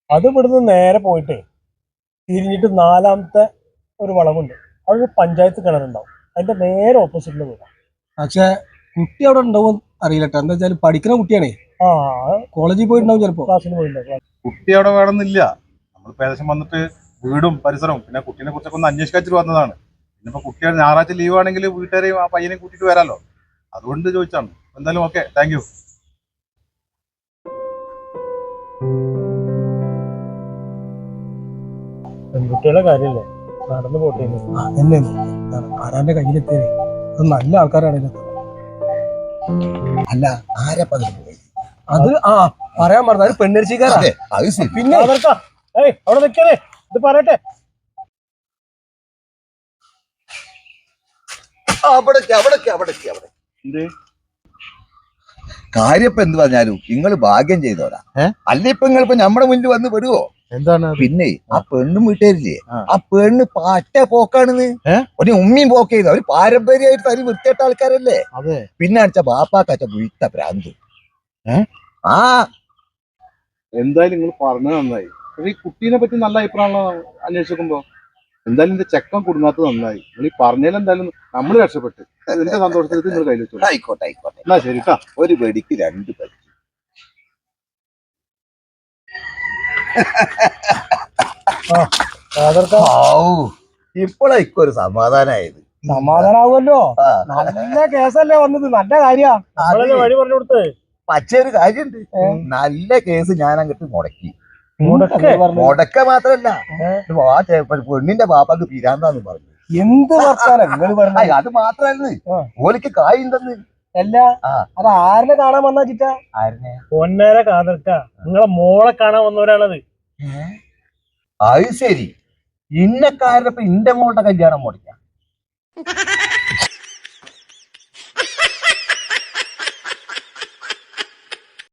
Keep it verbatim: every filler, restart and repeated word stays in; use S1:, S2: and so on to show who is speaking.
S1: അത് ഇവിടുന്ന് നേരെ പോയിട്ടേ തിരിഞ്ഞിട്ട് നാലാമത്തെ ഒരു വളവുണ്ട്. അത് പഞ്ചായത്ത് കിണറുണ്ടാവും. അതിന്റെ നേരെ ഓപ്പോസിറ്റിൽ വീടാം.
S2: പക്ഷെ കുട്ടി അവിടെ ഉണ്ടാവും അറിയില്ല കേട്ടോ. എന്താ വെച്ചാൽ പഠിക്കുന്ന കുട്ടിയാണേ.
S1: ആ
S2: കോളേജിൽ പോയിട്ടുണ്ടാവും ചിലപ്പോ.
S1: ക്ലാസ്സിന് പോയിട്ടുണ്ടാവും.
S3: കുട്ടി അവിടെ വേണമെന്നില്ല. നമ്മളിപ്പോ ഏകദേശം വന്നിട്ട് വീടും പരിസരവും പിന്നെ കുട്ടീനെ കുറിച്ചൊക്കെ ഒന്ന് അന്വേഷിക്കാച്ചിട്ട് വന്നതാണ്. പിന്നിപ്പോ കുട്ടിയുടെ ഞായറാഴ്ച ലീവ് ആണെങ്കിൽ വീട്ടുകാരെയും ആ പയ്യനെയും കൂട്ടിയിട്ട് വരാമല്ലോ, അതുകൊണ്ട് ചോദിച്ചാണ്. എന്തായാലും ഓക്കെ, താങ്ക് യു.
S1: പെൺകുട്ടികളുടെ കാര്യമല്ലേ, നടന്നു പോട്ടെ.
S2: എന്നെ ആരാന്റെ കയ്യിലെത്തിയേ അത് നല്ല ആൾക്കാരാണ്.
S4: അല്ല ആരപ്പ
S2: അത് ആ പറയാൻ പറഞ്ഞ അത് പെണ്ണരിച്ചിക്കാരാ.
S1: പിന്നെ അവിടെ നിൽക്കണേ, ഇത് പറയട്ടെ.
S4: അവിടേക്ക് അവിടേക്ക് അവിടേക്ക് അവിടെ കാര്യപ്പ എന്ത് പറഞ്ഞാലും നിങ്ങൾ ഭാഗ്യം ചെയ്തോരാ. അല്ല ഇപ്പൊ നിങ്ങളിപ്പോ നമ്മുടെ മുന്നിൽ വന്ന് പെടുവോ?
S3: എന്താണ്
S4: പിന്നെ ആ പെണ്ണും വീട്ടുകാരില്ലേ, ആ പെണ്ണ് പാറ്റ പോക്കാണെന്ന്. ഒരു ഉമ്മയും പോക്ക് ചെയ്ത ഒരു പാരമ്പര്യമായിട്ട് തനി വൃത്തിയിട്ട ആൾക്കാരല്ലേ. പിന്നെ അടിച്ച ബാപ്പാക്കച്ച വീട്ട ഭ്രാന്ത്. ആ
S3: എന്തായാലും നിങ്ങൾ പറഞ്ഞത് നന്നായി. പക്ഷെ ഈ കുട്ടീനെ പറ്റി നല്ല അഭിപ്രായമാണല്ലോ അന്വേഷിക്കുമ്പോ. എന്തായാലും എന്റെ ചെക്കൻ കുടുങ്ങാത്തത് നന്നായി. നിങ്ങൾ ഈ പറഞ്ഞാലും എന്തായാലും നമ്മൾ രക്ഷപ്പെട്ട് എന്റെ സന്തോഷത്തിൽ നിങ്ങൾ കയ്യിൽ വെച്ചോളൂ.
S4: ആയിക്കോട്ടെ ആയിക്കോട്ടെ.
S3: എന്നാ ശരി കേട്ടോ.
S4: ഒരു വെടിക്ക് രണ്ട് പേര്. ഇപ്പോഴേക്കും ഒരു സമാധാനായത്.
S1: സമാധാനാവുമല്ലോ. നല്ല കേസല്ലേ വന്നത്, നല്ല കാര്യ വഴി പറഞ്ഞു കൊടുത്ത്.
S4: പക്ഷേ ഒരു കാര്യണ്ട്, നല്ല കേസ് ഞാൻ അങ്ങോട്ട് മുടക്കി.
S1: മുടക്ക
S4: മാത്രല്ല പെണ്ണിന്റെ ബാപ്പാക്ക് പിരാന്താന്ന് പറഞ്ഞു.
S1: എന്ത് വർത്താനം നിങ്ങൾ പറഞ്ഞ.
S4: അത് മാത്രല്ല ഓലിക്ക് കായുണ്ടെന്ന്.
S1: അല്ല അത് ആരിനെ കാണാൻ വന്നാ ചിറ്റാ?
S4: ആരിനെ?
S1: പൊന്നേരെ കാതർക്ക നിങ്ങളെ മോളെ കാണാൻ വന്നവരാണത്.
S4: അത് ശരി. ഇന്നക്കാരപ്പ ഇന്റെ മോളുടെ കല്യാണം മുടക്കാം.